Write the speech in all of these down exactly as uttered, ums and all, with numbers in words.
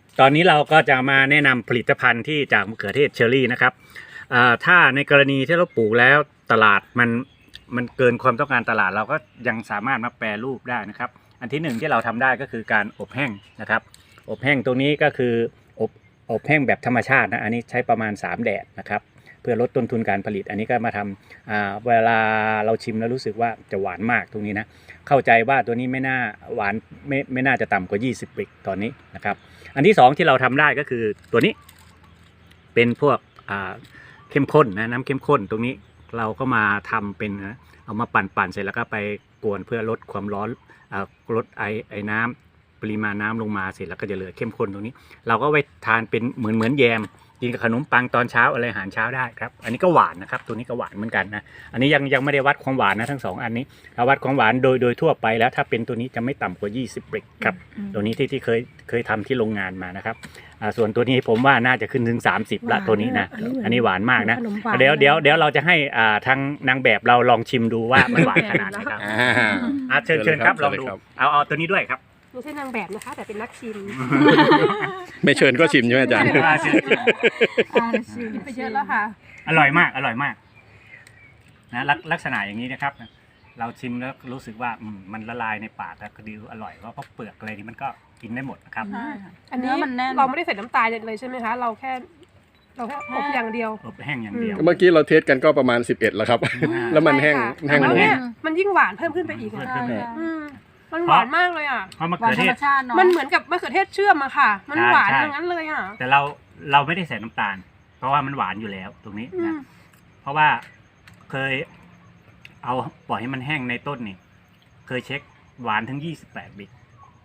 ตอนนี้เราก็จะมาแนะนำผลิตภัณฑ์ที่จากมะเขือเทศเชอร์รี่นะครับถ้าในกรณีที่เราปลูกแล้วตลาดมันมันเกินความต้องการตลาดเราก็ยังสามารถมาแปรรูปได้นะครับอันที่หนึ่งที่เราทำได้ก็คือการอบแห้งนะครับอบแห้งตรงนี้ก็คืออบอบแห้งแบบธรรมชาตินะอันนี้ใช้ประมาณสามแดดนะครับเพื่อลดต้นทุนการผลิตอันนี้ก็มาทำเวลาเราชิมแล้วรู้สึกว่าจะหวานมากตรงนี้นะเข้าใจว่าตัวนี้ไม่น่าหวานไม่ไม่น่าจะต่ำกว่ายี่สิบบิกตอนนี้นะครับอันที่สองที่เราทำได้ก็คือตัวนี้เป็นพวกเข้มข้นนะน้ำเข้มข้นตรงนี้เราก็มาทำเป็นนะเอามาปั่นปั่นเสร็จแล้วก็ไปกวนเพื่อลดความร้อนลดไอไอน้ำปริมาณน้ำลงมาเสร็จแล้วก็จะเหลือเข้มข้นตรงนี้เราก็ไว้ทานเป็นเหมือนเหมือนแยมกินกับขนมปังตอนเช้าอะไรอาหารเช้าได้ครับอันนี้ก็หวานนะครับตัวนี้ก็หวานเหมือนกันนะอันนี้ยังยังไม่ได้วัดความหวานนะทั้งสองอันนี้ถ้าวัดความหวานโดยโดยทั่วไปแล้วถ้าเป็นตัวนี้จะไม่ต่ำกว่ายี่สิบ บริกครับตัวนี้ที่ที่เคยเคยทำที่โรงงานมานะครับอ่าส่วนตัวนี้ผมว่าน่าจะขึ้นถึงสามสิบละตัวนี้นะอันนี้หวานมากนะเดี๋ยวเดี๋ยวเดี๋ยวเราจะให้อ่าทางนางแบบเราลองชิมดูว่ามันหวานขนาดไหนครับอ่าเชิญเชิญครับลองดูเอาเอาตัวนี้ด้วยครับไม่ใช่นางแบบนะคะแต่เป็นนักชิมไม่เชิญก็ชิมใช่ไหมอาจารย์ชิมไปเยอะแล้วค่ะอร่อยมากอร่อยมากนะลักษณะอย่างนี้นะครับเราชิมแล้วรู้สึกว่ามันละลายในปากแล้วก็ดีอร่อยเพราะเปลือกอะไรนี่มันก็กินได้หมดนะครับอันนี้เราไม่ได้ใส่น้ำตาลเลยใช่ไหมคะเราแค่เราแค่อบอย่างเดียวอบแห้งอย่างเดียวเมื่อกี้เราเทสกันก็ประมาณสิบเอ็ดแล้วครับแล้วมันแห้งแห้งเนี่ยมันยิ่งหวานเพิ่มขึ้นไปอีกมันหวานมากเลยอ่ะเพราะมะเขือเทศมันเหมือนกับมะเขือเทศเชื่อมอะค่ะมันหวานอย่างนั้นเลยอ่ะแต่เราเราไม่ได้ใส่น้ำตาลเพราะว่ามันหวานอยู่แล้วตรงนี้นะเพราะว่าเคยเอาปล่อยให้มันแห้งในต้นนี่เคยเช็คหวานถึงยี่สิบแปดบิก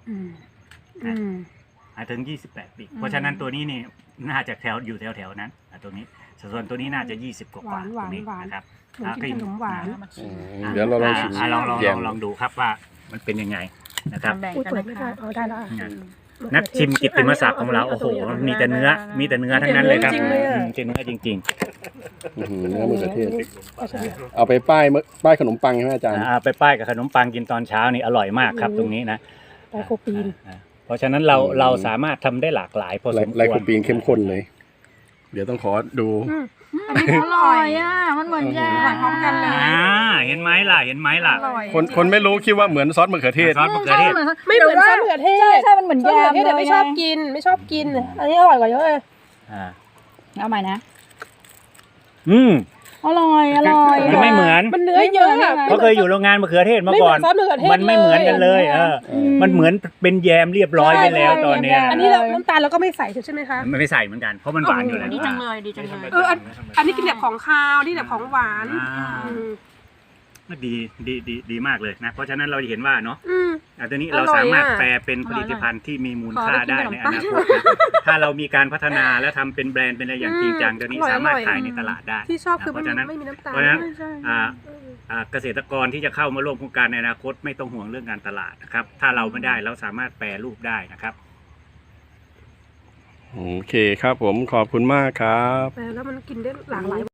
นะถึงยี่สิบแปดบิกเพราะฉะนั้นตัวนี้นี่น่าจะแถวอยู่แถวแถวนั้นตัวนี้ส่วนตัวนี้น่าจะยี่สิบกว่าตรงนี้นะครับกินขนมหวานเดี๋ยวเราลองชิมลองลองลองดูครับว่ามันเป็นยังไงนะครับนักชิมกิตติมศักดิ์ของเราโอ้โหมีแต่เนื้อมีแต่เนื้อทั้งนั้นเลยครับจริงเนื้อจริงๆเนื้อมะเขือเทศเอาไปป้ายป้ายขนมปังใช่ไหมอาจารย์ไปป้ายกับขนมปังกินตอนเช้านี่อร่อยมากครับตรงนี้นะไลโคปีนเพราะฉะนั้นเราเราสามารถทำได้หลากหลายพอสมควรไลโคปีนเข้มข้นเลยเดี๋ยวต้องขอดูอันนี้อร่อยอ่ะมันเหมือนแยมพร้อมกันเลยอ่าเห็นไหมล่ะเห็นไหมล่ะคนคนไม่รู้คิดว่าเหมือนซอสมะเขือเทศซอสมะเขือเทศไม่เหมือนซอสมะเขือเทศใช่ใช่มันเหมือนแยมเลยไม่ชอบกินไม่ชอบกินอันนี้อร่อยกว่าเยอะเลยอ่าเอาใหม่นะอืมอร่อยอร่อยมันไม่เหมือนมันเนื้อเยอะเขาเคยอยู่โรงงานมะเขือเทศมาก่อนมันไม่เหมือนกันเลยเออมันเหมือนเป็นแยมเรียบร้อยไปแล้วตอนนี้อันนี้เราน้ำตาลเราก็ไม่ใส่ใช่ไหมคะไม่ใส่เหมือนกันเพราะมันหวานอยู่แล้วดีจังเลยดีจังเลยเอออันนี้กินแบบของคาวนี่แบบของหวานดีดีดีดีมากเลยนะเพราะฉะนั้นเราเห็นว่าเนาะอันนี้เราสามารถแปลเป็นผลิตภัณฑ์ที่มีมูลค่าได้ในอนาคตถ้าเรามีการพัฒนาและทำเป็นแบรนด์เป็นอะไรอย่างจริงจังตัวนี้สามารถขายในตลาดได้ที่ชอบคือเพราะฉะนั้นไม่มีน้ำตาลเพราะฉะนั้นเกษตรกรที่จะเข้ามาร่วมโครงการในอนาคตไม่ต้องห่วงเรื่องการตลาดนะครับถ้าเราไม่ได้เราสามารถแปรรูปได้นะครับโอเคครับผมขอบคุณมากครับแล้วมันกินได้หลากหลาย